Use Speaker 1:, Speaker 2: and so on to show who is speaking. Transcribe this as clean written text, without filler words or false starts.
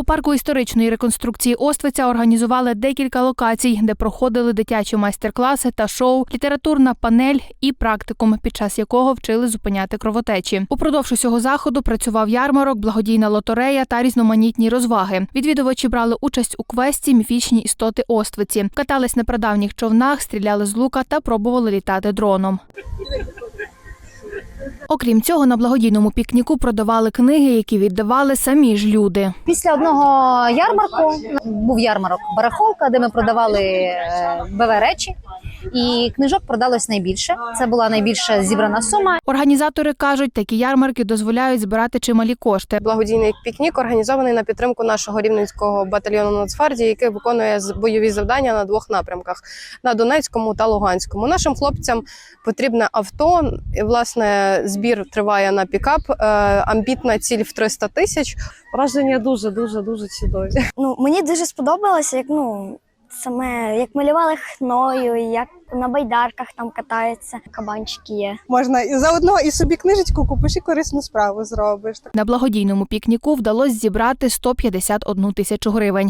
Speaker 1: У парку історичної реконструкції Оствиця організували декілька локацій, де проходили дитячі майстер-класи та шоу, літературна панель і практикум, під час якого вчили зупиняти кровотечі. Упродовж усього заходу працював ярмарок, благодійна лотерея та різноманітні розваги. Відвідувачі брали участь у квесті «Міфічні істоти Оствиці». Катались на прадавніх човнах, стріляли з лука та пробували літати дроном. Окрім цього, на благодійному пікніку продавали книги, які віддавали самі ж люди.
Speaker 2: Після одного ярмарку був ярмарок «Барахолка», де ми продавали БВ-речі, і книжок продалось найбільше. Це була найбільша зібрана сума.
Speaker 1: Організатори кажуть, такі ярмарки дозволяють збирати чималі кошти.
Speaker 3: Благодійний пікнік організований на підтримку нашого рівненського батальйону Нацгвардії, який виконує бойові завдання на двох напрямках – на Донецькому та Луганському. Нашим хлопцям потрібне авто. І, власне, збір триває на пікап. Амбітна ціль в 300 тисяч.
Speaker 4: Враження дуже чудові.
Speaker 5: Мені дуже сподобалося, як малювали хною, як на байдарках там катаються, кабанчики є.
Speaker 4: Можна і заодно і собі книжечку купиш, і корисну справу зробиш.
Speaker 1: На благодійному пікніку вдалося зібрати 151 тисячу гривень.